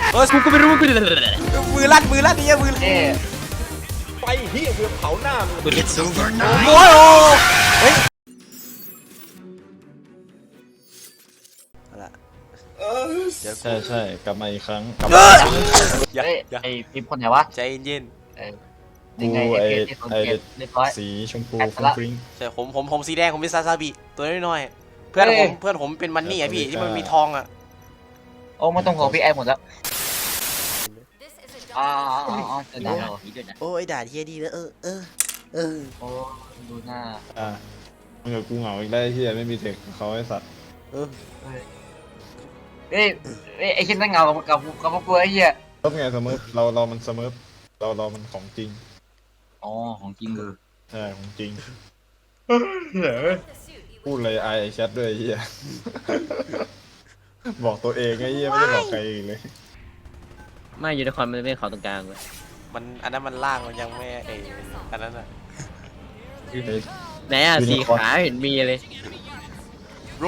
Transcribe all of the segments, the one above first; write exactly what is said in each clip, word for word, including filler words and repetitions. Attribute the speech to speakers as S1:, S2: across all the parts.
S1: เออกูก็ไม่รู้กูมือลั่นมือลั่นนี่มือ
S2: เอ๊ะ
S3: ไปเฮียเบือเผาหน้ามึง
S1: โอ้ยโอ้เฮ้ย
S4: ใช่ใช่กลับมาอีกครั้งกลับ
S1: เอ
S4: มา
S1: อ
S4: อีกครั้ง
S1: อย่า
S2: เฮ้ย
S1: อย่า
S2: ไอ้พิมพ์คนไหนวะ
S1: ใจเย็น
S2: เออยังไง
S4: กู
S2: ไอ้
S4: ไอ้
S2: เพจที่คน
S4: ไอ้
S2: เก็บเรียบร้อย
S4: สีชมพู
S2: แอด
S4: ฟรุ้
S2: ละ
S4: งฟริ้ง
S1: ใช่ผมผมผมสีแดงผมเป็นซาซาบิตัวน้อยๆเพื่อนผมเพื่อนผมเป็นมันนี่ไอพี่ที่มันมีทองอ่ะ
S2: โอ้ไม่ต้องห่วงพี่ไอ้หมดแล้วอ๋ออ๋ออ๋อจะด่าเราอีกด้วยนะ
S1: โอ้ยด่าเทียดีแล้วเออเออเออ
S2: โอ้ดูหน้า
S4: อ่ะมึงกับกูเหงาอีกได้ที่ไม่มีเทคเขาไอ้สัตว์
S1: เออ
S2: เฮ้ยเฮ้ยเฮ้ยไอ้ชิ้นนั่งเงากับกับกับพวกกูไอ้เหี้ย
S4: ลบไงเสมอเราเรามันเสมอเราเรามันของจริง
S2: อ๋อของจริงเลย
S4: ใช่ของจริงพูดเลยไอไอแชทด้วยไอ้เฮียบอกตัวเองไอ้เฮียไม่ได้บอกใครเองเลย
S5: ไม่ยูนิคอร์นมันไม่เขาตรงกลางเลย
S1: มันอันนั้นมันล่างมันยังไม่เอออันนั้นอ่ะ
S5: ไหนอ่ะสีขาเห็นมีเลย
S1: โร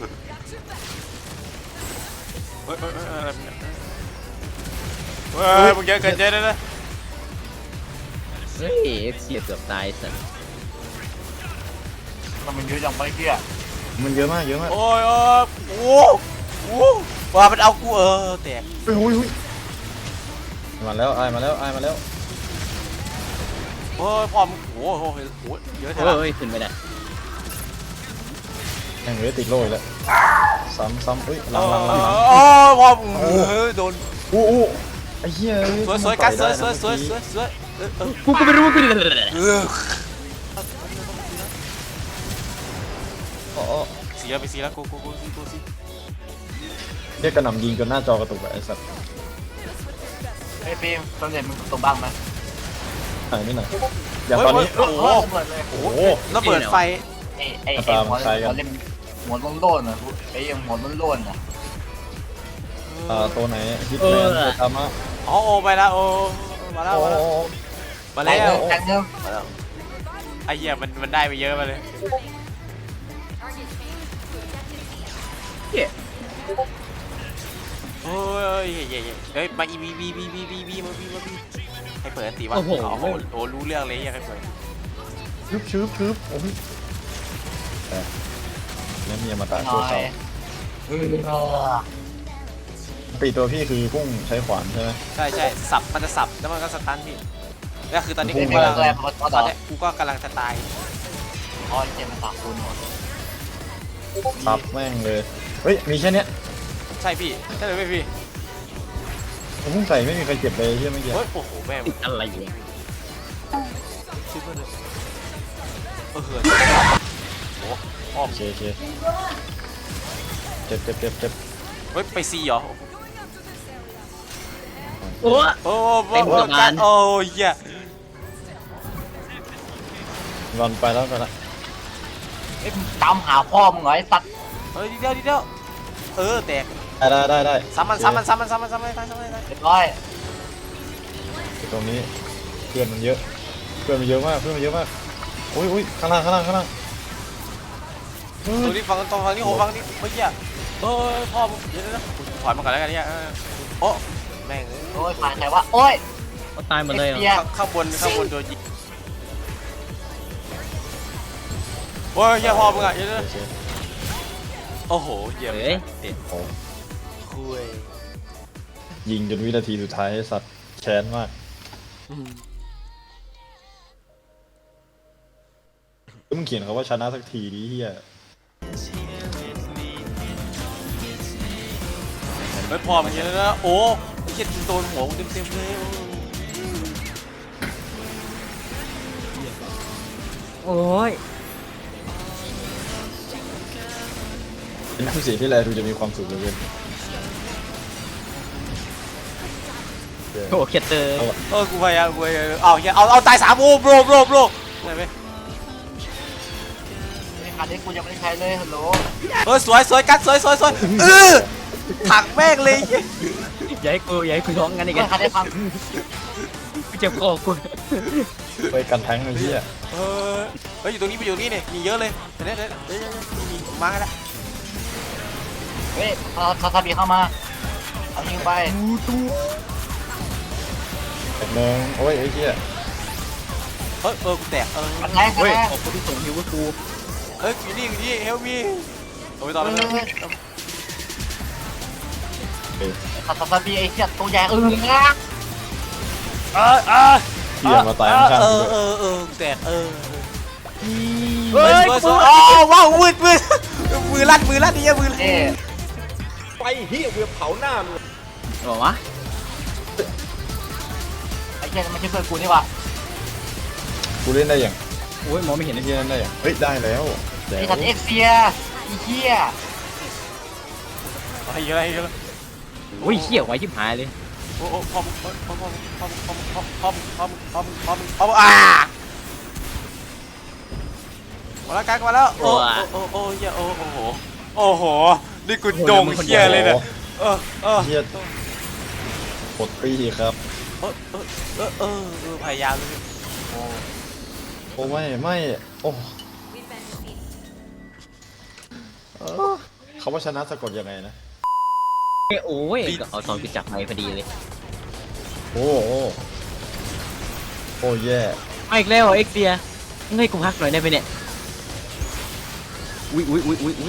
S1: เฮ้ยเฮ้ยเฮ้ยอะไรเนี่ยเฮ้ยมึงเยอะเกินเยอะเลยนะ
S5: เฮ้ยเอ็กซ์เกือบตายสัตว์
S2: มันมันเยอะจังไปเหี้ย
S4: มันเยอะมากเยอะมาก
S1: โอ้ยโอ้ยโอ้โหว่ามันเอากูเออแตก
S4: เฮ้ยเฮ้ยเฮ้ยมาแล้วไอมาแล้วไอมาแล้ว
S1: โอ้ยพอมโอ้โหโอ้โหเยอะเท่าไหร่
S5: เฮ้ยขึ้นไปได้
S4: แม่งเลยติดโล่อีกแล้วซ้ำซ้ำเฮ้ยห
S1: โอ้
S4: ลังหลังหลังหลัง
S1: ยพอมเออโดน
S4: อู้อู้ไอ้เหี้ย
S1: สวยสวยกัดสวยสวยสวยสวยสวยเออเออ
S5: กูก็ไม่รู้กู
S1: เออ
S4: อ๋อ
S1: สีแล้วไปสีแล้วกูกูกูสีกูสี
S4: เรียกกระหน่ำยิงจนหน้าจอกระตุกอะไอ้สัตว์
S2: ไอ้พิมพ์ตอนเด็กมึงตกบ้างไหม
S4: หายไม่หน่อยอย่างตอนนี้
S1: โอ้โห
S2: ระเบิดเลย
S1: โอ้โหระเบิดไฟ
S2: ไอ้ไอ้ไอ้หัวหัวเล่มหัวโล้นๆนะไอ้ยังหัวโล้นๆนะ
S4: อ่าตัวไหนฮิตแมนตัวตามะ
S1: อ๋อโอไปแล้วโอมาแล้ว
S4: โอ้
S1: มาแล้วมาแล้ว
S2: แทงเนื้อ
S1: มาแล้วไอ้เหี้ยมันมันได้ไปเยอะมาเลยโอ้ยเฮ้ยเฮ้ยมาอีบีบีบีบีบีบีมาบีมาบีให้เปิดตีวะโอ้โหโอ้รู้เรื่องเลยยังให้เปิด
S4: ชืบชืบชืบโอ้ยแต่แล้วมีอมาตะ
S2: หน่
S4: ตัว
S2: อ
S4: เสาย
S2: เออ
S4: ปีตัวพี่คือพุ่งใช้ขวานใช่ไหม
S1: ใช่ใช่สับมันจะสับแล้วมันก็สตันพี่ก็คือตอนนี้
S4: พุ่
S1: กู
S4: ง
S1: กำลัง
S2: แรงพอ
S1: ต
S2: ต่
S1: อ
S2: อน
S1: นี้กูก็กำลังจะตาย
S2: อ๋อเจมันตักคูณหมด
S4: ซับแม่งเลยเฮ้ยมีแค่เนี้ย
S1: ใช่พี่ใช่เลยพี่
S4: ผมพุ่งใส่ไม่มีใครเจ็บเลยใช่ไหมเมื่อกี้
S1: เฮ้ยโอ้โหแม่ง
S5: ติดอะไรอยู่
S1: ชิบเลยเออเหินโอ้อ้อม
S4: โอเคโอเคเจ็บเจ็บเจ็บเจ็บ
S1: เฮ้ยไปซีเหรอ
S5: โอ้
S1: โอ้โหการโอ้ยเหี้ย
S4: รอนไปแล้วไปละ
S2: ไอ้ตามหาพ่อมึงเหรอไอ้สัตว์
S1: เฮ้ยดีเดียวดีเดียวเออแตก
S4: ได้ได้ได้ได้
S1: ซ้ำมันซ้ำมันซ้ำมันซ้ำมันซ้ำมันซ้ำมันซ้ำมัน
S2: เรียบร้อย
S4: ตรงนี้เพื่อนมันเยอะเพื่อนมันเยอะมากเพื่อนมันเยอะมากอุ้ยอุ้ยข้างล่างข้างล่างข้างล่างเฮ้
S1: ดู
S4: ย
S1: นี่ฟังตรงฟังนี่โหฟังนี่เมื่อกี้เฮ้ยพ่อมึงเดี๋ยวนะถอยมาก่อนแล้วกันเนี่ยโอ้แม่ง
S2: โอ้ยผ่านใครวะโอ้ย
S5: เขาตายหมดเลยเหรอ
S1: ข้างบนข้างบนโดนยิงโอ้ยเหี้ยพ่อมึงอ่ะเดี๋ยวนะโอ้โหเหี้ย
S5: เฮ้ย
S4: โอ้
S1: คุย
S4: ยิงจนวินาทีสุดท้ายสัตว์แค้นมากแล้วมึงเขียนเขาว่าชนะสักทีดิเฮีย
S1: ไม่พอมันเยอะนะโอ้เจ็ดโดนหัวเต็มเต็มเลย
S5: โอ้ย
S4: เป็นผู้เสียที่แลดูจะมีความสุขเหลยเกิน
S5: โอ้เคเตอร์
S1: เออกูพยายามกูพยายามเอาเหี้ยเอาเอาตายสามโอ้โบรโบรโบรได้ไหม
S2: ไอ้คันนี้กูยังไม่ได้ใช้เลยฮัลโหล
S1: เออสวยสวยกัดสวยสวยสวยเออถักแม่งเลย
S5: อย่าให้กูอย่าให้กูร้องงั้นอีก
S2: ไอ้คันนี้พัง
S5: กูเจ็บคอกู
S4: ไปกันแทงเลยเฮีย
S1: เออเฮ้ยอยู่ตรงนี้ไปอยู่ตรงนี้เนี่ยมีเยอะเลยเดี๋ยวเดี๋ยวเดี๋ยวเดี๋ยวมีมากันแล้ว
S2: เฮ้ยเขาเขาทำบีเข้ามาเอายิงไป
S4: แตกหนึ่งโอ้ยไอ้เหี้ย
S1: เฮ้ยเออกูแตกเออ
S2: มันแรงกันแรง
S5: ขอบคุณที่ส่งฮิวกู
S1: เฮ้ยอยู่นี่อยู่นี่เฮลมีโอ้ยตอนนั้น
S2: สัตว์สัตว์ปีไอ้เหี้ยตัวใหญ่เออนะ
S1: เออเออ
S4: เหี้ยมาตายข้าง
S1: เอ
S4: ๆกู
S1: อ
S4: ด้วย
S1: เออเออแตกเออ
S5: เฮ้ย
S1: เฮ้ยสวยอ๋อว้าวมืดมืดมือลั่นมือลั่นนี่มือลั่น
S2: เอ๊ะ
S3: ไฟเฮียเวียเผาหน้ามึง
S5: บอกวะ
S2: ไอ้เหี้ยมันไม่ใช่เพื่อนกูนี่หว่า
S4: กูเล่นได้ยัง
S5: โอ้ยมองไม่เห็น
S4: ไอ้
S5: เลย
S4: เหี้ยเล่นได้ยังเฮ้ยได้แล้วแล้
S2: ไอ้
S4: ว
S2: สัตว์เอ็กเซียไอ้เหี้ย
S1: อะไรอะไรอะไร
S5: โอ้ยเขี้ยวไว้ชิบหายเลย
S1: โอ้โอ้พอมพอมพอมพอมพอมพอมพอมพอมพอมพอมพอมอ่ามาแล้วกันมาแล้วโอ้โอ้โอ้เฮียโอ้โอ้โหโอ้โหนี่กูโด่งเฮียเลยเนี่ยเออเออ
S4: เหี้ยปลดปีครับ
S1: เออเออเออเออเออพยายามเลย
S2: โอ้
S4: โอ้ไม่ไม่โอ้เออเขาว่าชนะสะกดยังไงนะ
S5: โอ้ยเอาทองกูจับไปพอดีเลย
S4: โอ้โอ้โอ้แย่
S5: มาอีกแล้วเอ็กเซียให้กูพักหน่อยได้ไหมเนี่ยอุ้ยอุ้ยอุ้ยอุ้ยอุ้ย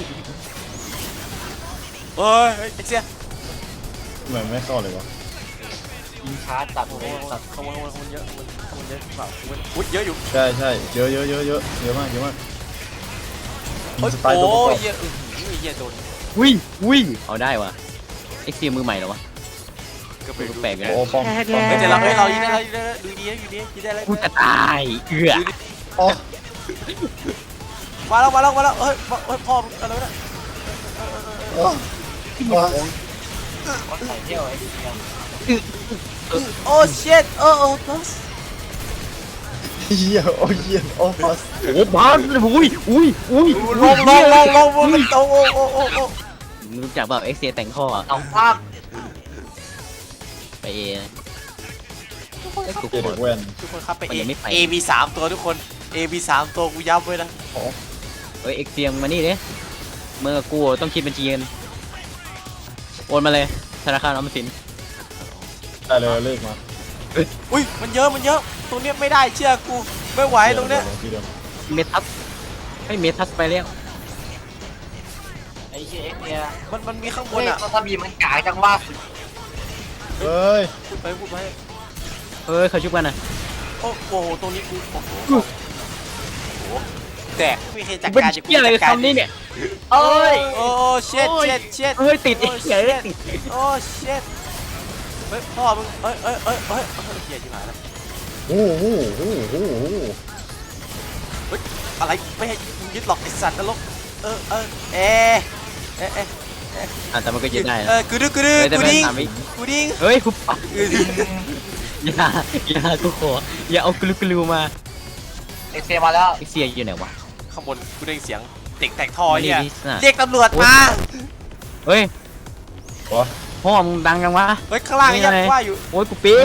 S1: เฮ้ยเอ็กเซีย
S4: ทำไมไม่เข้าเลยวะ
S2: ยิงช้าจัด
S1: โอ้
S2: เล
S1: โห
S2: ยสัตว์
S1: ขโมยขโมยขโมยเยอะขโมยขโมยเยอะเปล่าขโมยอุ้ยเยอะอยู่
S4: ใช่ใช่เยอะเยอะเยอะเยอะเยอะมากเยอะมากยิ
S1: โอ้
S4: ง
S1: ย
S4: สไตล์ตัวประกอบ
S1: เยอะอื้อหือเยอะโดน
S5: อุ้ยอุ้ยเอาได้วะเอ็กเซียมือใหม่เหรอวะ
S1: ก็ไปดู
S5: แปลกๆนะ
S4: โอ้ป้อมป้อม
S1: เฮ้ยเดี๋ยวเราเฮ้ยเรายิงได้เรายิงได้ดูดีนะดูดียิงได้แล้ว
S5: กูจะตายเอือ
S4: อ๋อ
S1: มาแล้วมาแล้วมาแล้วเฮ้ยเฮ้ยพ่ออะไรวะเนี่ย
S4: อ๋ออ๋อ
S2: ก็ใส่เที่ยวไอ้เหี้ย
S1: โอ้เช็ดโอ้โอ้บอส
S4: เหี้ยโอ้เหี้ยโอ้บัส
S5: โอ้บ้าอุ้ยอุ้ยอุ้ย
S1: ลงลงลงลงลงโอ้โอ้โอ้โอ้โอ้
S5: รู้จักแบบเอ็กเซียแต่งข้อ
S2: เอาภาพ
S5: ไปเอไอ้กู
S4: เด็กแว่น
S1: ทุกคนครับไป
S5: มัน
S1: เอ
S5: ยังไม่ไป
S1: เอมีสามตัวทุกคนเอมีสามตัวกูย้ำไว้นะ
S5: เฮ้ยเอ็กเซียมานี่ดิเมื่อกูต้องคิดบัญชีกันโอนมาเลยธนาคารออมสิน
S4: ได้เลยเลขมา
S1: อุ้ยมันเยอะมันเยอะตรงเนี้ยไม่ได้เชื่อกูไม่ไหวตรงเนี้ย
S4: ที่เดิม
S5: เมทัสไม่เมทัสไปแล้ว
S2: ไอ้เหี้ยเอ็กเซีย
S1: มันมันมีข้างบ
S2: เฮ้
S1: น
S2: ย
S1: อ่ะ
S2: ตัวทบีมันกากจังว่า
S4: เฮ้ย
S1: พูดไปพูดไป
S5: เฮ้ยเขาชุบกันนะ
S1: โอ้โหตรงนี้กูโอ้โหโอ้โหแตกไม่เคยจัด
S5: เป็น
S1: การ
S5: เชี่ยอะไรกับคำนี้เนี่ย
S2: เอ้ย
S1: โอ้เช็ดเช็ดเช็ด
S5: เฮ้ยติดไอ้เหี้ยเอ้ยติด
S1: โอ้เช็ดเฮ้ยพ่อมึงเอ้ยเอ้ยเอ้ยเอ้ยเฮ้ยเหี้ยชิบหายแล้ว
S4: โอ้โหโอ้โหโอ้โห
S1: เฮ้ยอะไรไม่ให้มึงยึดหรอกไอ้สัตว์นรกเออเออเอะเอะเอะ
S5: อ่ะแต่มันก็ยืดได้
S1: เอ
S5: นะ
S1: อกูดึงกูดึง
S5: เฮ้ยแต่
S1: กู
S5: มัน
S1: ดิ้ง
S5: สามวิ
S1: กูดิ้ง
S5: เฮ้ยกูปัก
S1: กูดิ้ง
S5: อย่าอย่ากูขออย่าเอากลูกลูมา
S2: เอ็กเซียมาแล้ว
S5: ไอเซียอยู่ไหนวะ
S1: ข้างบนกูได้ยินเสียงเด็กแตกท่อเนี่ย
S5: ไม่ได้ดิสน่ะ
S1: เรียกตำรวจมา
S5: เฮ้ย
S4: วะ
S5: พ่อมึงดังจังวะ
S1: เฮ้ยข้างล่างยังว่าอยู่
S5: โอ้ยกูปี๊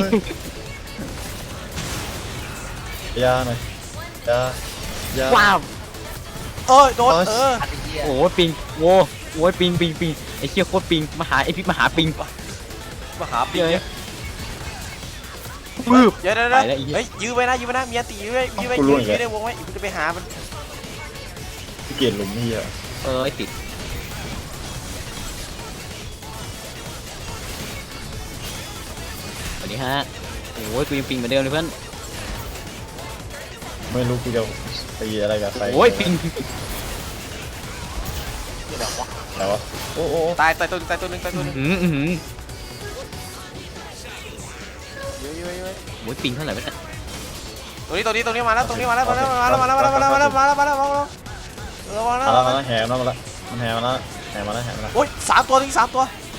S4: ยาหน่อยยา ยา
S5: ว้าว
S1: เอ้ยโดนเออ
S2: ไอ้เหี้ย
S5: โอ้ยปิงโว้โอ้ยปิงปิงปิงไอ้เชี่ยโคตรปิงมาหาไอ้พิษมาหาปิง
S1: มาหาปี
S5: เย
S1: เย
S5: อะ
S1: อะ
S5: ปึ๊บ
S1: เดี๋ยวเดี๋ยว
S5: ไปแล้วอีก
S1: เฮ้ยยื้อไว้นะยื้อไว้นะมีอันตียื้อไว้ยื้อไว้ยื้อยื้อในวงไว้กูจะไปหามัน
S4: พี่เกียรหลุมนี่อ่ะ
S5: เออไอ้ติดสวัสดีฮะโอ้ยกูยังปิงเหมือนเดิมเลยเพื่อน
S4: ไม่รู้กูจะตีอะไรกับใคร
S5: โอ้ยปิง
S4: อะไรวะโอ้โอ้
S1: ตายตายตัวนึงตายตัวนึงตายตัวนึง
S5: อืมอืม
S1: ยื้อยื้อยื้อ
S5: โอ้ยปิงเท่าไหร่วะเนี่ย
S1: ตัวนี้ตัวนี้ตัวนี้มาแล้วตัวนี้มาแล้วมาแล้วมาแล้วมาแล้วมาแล้วมาแล้วมาแล้วมาแล้วมาแล้วมาแล้วเออมาแล้ว
S4: มาแล้วมาแล้วแหมาแล้วมันแหมาแล้วแหมาแล้วแหมาแล้ว
S1: โอ้ยสามตัวถึงสามตัว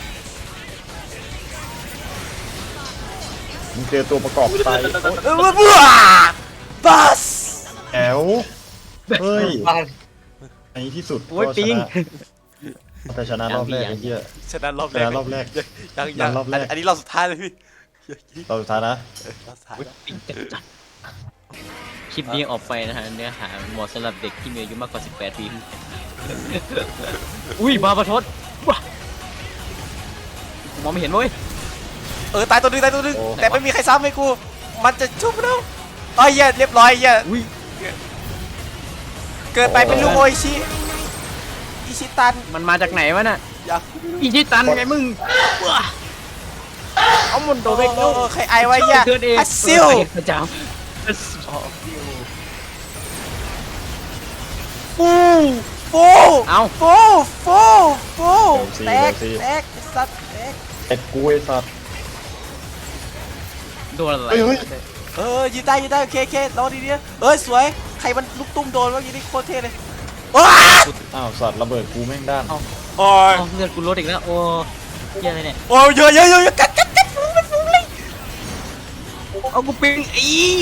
S4: มึงเจอตัวประกอบตาย
S1: เออบ้าบัส
S4: แอวเฮ้ย
S2: บ้าน
S4: ในที่สุด
S5: โอ้ยปิง
S4: แต่ชนะรอบแรกไอ้เหี้ย
S1: ชนะรอบ
S4: ช
S1: แรก
S4: นะรอบแรก
S1: ยังยัง
S4: รอบแรก
S1: อันนี้รอบสุดท้ายเลยพี่
S4: เราสุดท้ายนะ
S1: รอบสุดท้าย
S5: โอ้ยปิงจัดจัดคลิปนี้ออกไปนะฮะเนื้อหาเหมาะสำหรับเด็กที่มีอายุมากกว่าสิบแปดปี อุ้ยมาประชดว้ามองไม่เห็นเว้ย
S1: เออตายตัวนึงตายตัวนึง
S4: โอ้
S1: แต่ไม่มีใครซ้ำให้กูมันจะชุบแล้วเอ้ยเหี้ยเรียบร้อยเหี้ย
S5: อุ้ย
S1: เกินไปเป็นลูกโออิชิอิชิตัน
S5: มันมาจากไหนวะน่ะ
S1: อย่า
S5: อีชิตันไงมึงว้าเอามันโด
S1: โอ้
S5: นไป
S1: โห
S5: แล้ว
S1: ใครไอไว้เหี้ย
S5: เธอเอง
S1: ฮัสซิล
S5: พระเจ้าฟู
S1: ฟู
S5: เอา
S1: ฟูฟูฟูแตกแตกไอ้สัตว์แตก
S4: เอ็ดกูไอ้สัตว์
S5: โดนอะไร
S4: เฮ้ยเฮ้ย
S1: เออยืนได้ยืนได้โอเคโอเครอดีดีเอ้ยสวยใครมันลูกตุ้มโดนวะยี่นี่โคตรเท่เลยว้า
S4: อ้าวสัตว์ระเบิดกูแม่งด้าน
S1: โอ้ย
S5: เอาเลือดกูลดอีกแล้วโอ้เหี้ยอะไรเนี่ย
S1: โอ้ยเยอะเยอะเยอะกัดกัดกัดฟุ้งเลยฟุ้งเลย
S5: เอากูปิงอี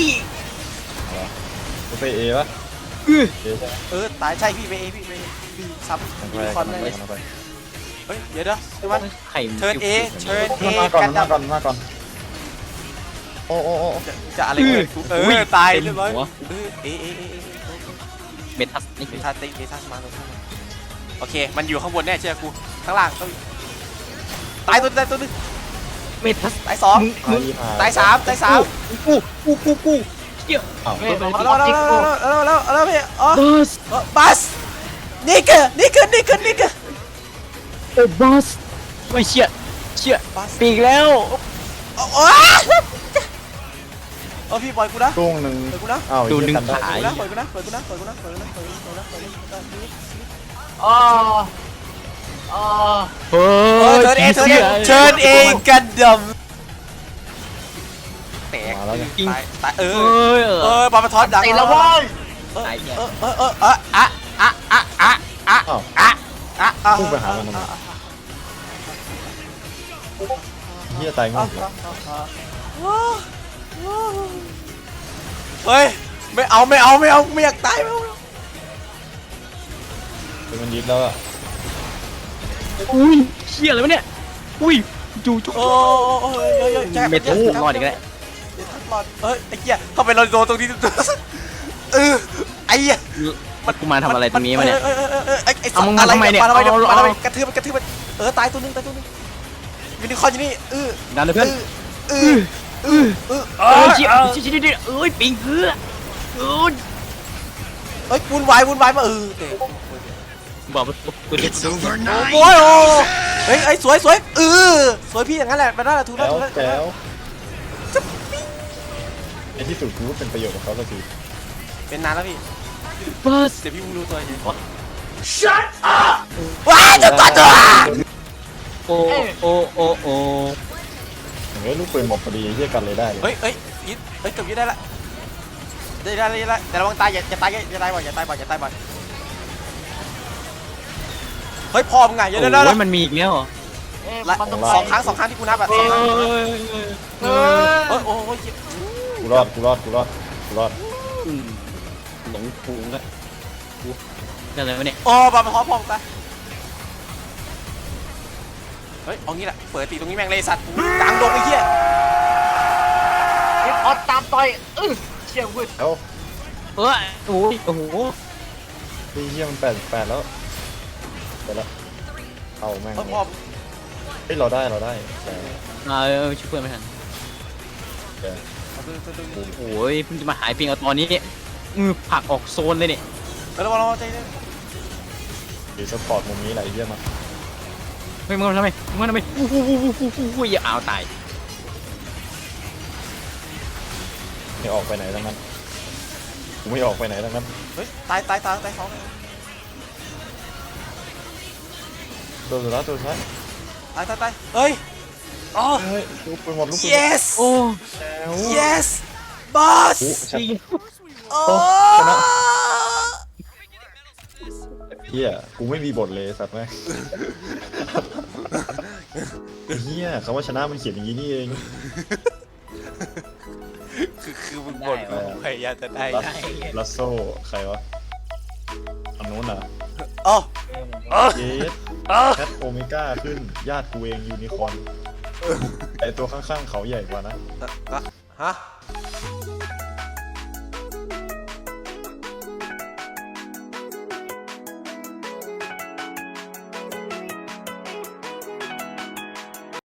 S4: กูไปเอวะ
S5: อื้อ
S4: เอใช่ไหม
S1: เออตายใช่พี่ไปเอพี่ไปเอพี่ซ้ำ
S4: ทำ
S1: ยู
S4: ไป
S1: นิคอร์น
S4: ทำ
S1: ได้
S4: ไป
S1: เลย
S4: ทำไป
S1: เฮ้ยเดี๋ยวเดี๋ยวเดี๋ยวมัน
S5: ไข่
S1: เทิร์นเอเทิร์นเอ
S4: มาก่อน
S1: กัน
S4: มา
S1: ดับ
S4: ก่อนมาก่อนโอ้โอ้โอ้
S1: จะจะอะไรกันกูเออตายเรียบร้อยเออเอเอเอเอ
S5: เมทัสนี่
S1: เมทัสติเมทัสมาเลยโอเคมันอยู่ข้างบนแน่เชื่อกูข้างล่างต้องตายตัวตายตัวนึง
S5: เมทัส
S1: ตายสอง
S5: มึง
S1: ตายสามตายสาม
S5: กูกูกูกูเหี้ย
S4: อ้าว
S1: เอาแล้วเอาแล้วเอาแล้วเอาแล้วเอาแล้วพี่อ๋อ
S5: บัส
S1: บัสนี่คือนี่คือนี่คือนี่คือ
S5: เออบัสไม่เชี่ยเชี่ย
S1: บัส
S5: ปีกแล้ว
S1: โอ้โหเออพี่ปล่อยกูนะ
S4: ช่วงหนึ่ง
S1: ปล่อยกูนะ
S4: อ้าว
S5: ดูหนึ่ง
S4: เหี้ย
S5: ขา
S4: กันได้
S1: ปล่อยกูนะปล่อยกูนะปล่อยกูนะปล่อยกูนะปล่อยกูนะปล่อยกูนะปล่อยกูนะปล่อยกูนะ
S2: อ๋ออ๋อ
S5: เฮ้
S1: เออย เชิญเองเชิญเองเชิญเองกันดำแตก
S4: มาแล้วไง
S1: ตายตายเอ
S5: เฮ้
S1: อย
S5: เอ
S1: เอ
S5: อ
S1: อบอลมาทอดดัง
S2: ติดแล้วเว้ย
S1: เออเออเออเออเอออะอะอะอะอะ
S4: อ้าว
S1: อะอะอะ
S4: พุ่งไปหามันทำไม เฮียตายงงเลย
S1: เฮ้ยไม่เอาไม่เอาไม่เอาไม่อยากตายไม่เอา
S4: เป็นมันยิบแล้วอะ
S5: อุ้ยเชี่ยอะไรวะเนี่ยอุ้ยจู่จู่
S1: โอ้โอ้เยอะเยอะแจ็ค
S5: เมทัสรอดอีกแล้ว
S1: เมทัสรอดเอ้ยไอ้เหี้ยเข้าไปเราโดนตรงนี้เออไอ้เหี้ย
S5: มันกูมาทำอะไรตรงนี้มาเนี่ย
S1: เออเออเออเออไอ้ไอ้
S5: เอามึงมาทำไมเนี่ย
S1: มาทำไมเนี่ย
S5: เอาเอา
S1: มาทำไมกระทืบมันกระทืบมันเออตายตัวนึงตายตัวนึงยูนิคอร์นอยู่นี่เออ
S5: ดันเลยเพื่อน
S1: เออเออเออ
S5: เอ้ยเชี่ยเชี่ยเชี่ยเชี่ยเอ้ยปิงเกลือเอ้ย
S1: เอ้ยวุ่นวายวุ่นวายมาเออเตะ
S5: บอกว่ากูจะ
S1: โอ้ยโอ้เฮ้ยไอ้สวยสวยเออสวยพี่อย่างนั้นแหละมันน่าจะถูกแล้ว
S4: แจ๋ว
S1: ถูกแล้ว
S4: แจ๋วไอ้ที่สุดกูก็เป็นประโยชน์กับเขาสักที
S1: เป็นนานแล้วพี่
S5: บัส
S1: เดี๋ยวพี่มึงรู้ตัวเอง Shut up ว้ายจะก่อนตัว
S5: โอ้โอ้โอ้โอ้
S4: เฮ้ยลูกปืนหมดพอดีเฮียกันเลยได้เลย
S1: เฮ้ยเฮ้ยยิดเฮ้ยเกือบยิดได้ละได้ได้ได้ได้แต่ระวังตายอย่าอย่าตายอย่าตายบ่อยอย่าตายบ่อยอย่าตายบ่อยเฮ้ยพอมึงไงอย่าได้ได้
S5: โอ้ยมันมีอีกแล้วเหรอ
S2: เอ๊ะ
S1: ละ
S2: มันต้อง
S1: สองครั้งสองครั้งที่กูนับอะสองครั้ง
S5: เอ้ย
S2: เออ
S1: เฮ้ยโอ้โห
S4: กูรอดกูรอดกูรอดกูรอด
S5: อืมหลงฟูงแล้วกูอะไรวะเนี่ย
S1: โอ้บอลมาพร้อมพร้อมกันเฮ้ยเอางี้แหละเปิดตีตรงนี้แม่งเลยสัตว์กลางดงไอ้เหี้ย
S2: เอ๊ะออดตามต่อยเออเชี่ยววืด
S4: เอ้า
S5: เอ้ยโอ้ยโอ้โห
S4: ไอ้เฮียมันแปดแปดแล้วไปแล้วเอาแม่ง
S1: เฮ้ยพร้อม
S4: เฮ้ยเราได้เราได้แต่
S5: อ่าเออช่วยเพื่อนไม่ทัน
S4: แต่
S5: โอ้ยเพิ่งจะมาหายปิงเอาตอนนี้เนี่ยมือผลักออกโซนเลยเนี่ย
S1: เฮ้ยระวังระวังใจเย็น
S4: ดีสปอร์ตมุมนี้แหละไอ้เฮียมา
S5: เฮ้ยมึงทำไมมึงทำไมอู้หูหูหูหูหูหูอย่าเอาตาย
S4: ไม่ออกไปไหนทั้งนั้นกูไม่ออกไปไหนทั้งนั้น
S1: เฮ้ยตายตายตายตายสองเลย
S4: ตัวสุดท้ายตัวสุดท้าย
S1: ตายตายตายเฮ้ยอ๋อ
S4: เฮ้ยลูกปืนหมดลูกปืน
S1: yes
S5: โอ้
S4: แล้ว
S1: yes boss
S4: โอ้ชัด
S5: ปิง
S1: โอ้
S4: ชนะ เฮียกูไม่มีบทเลยสัตว์แม่งเฮียคำว่าชนะมันเขียนอย่างนี้นี่เอง
S1: คือคือมึงบ่นกูพยายามจะได้
S4: ลัสลัสโซ่ใครวะอันนู้นอ่ะ
S1: อ๋อ
S4: เยสแคทโอเมก้าขึ้นญาติกูเองยูนิคอร์นไอตัวข้างๆเขาใหญ่กว่านะ
S1: ฮะ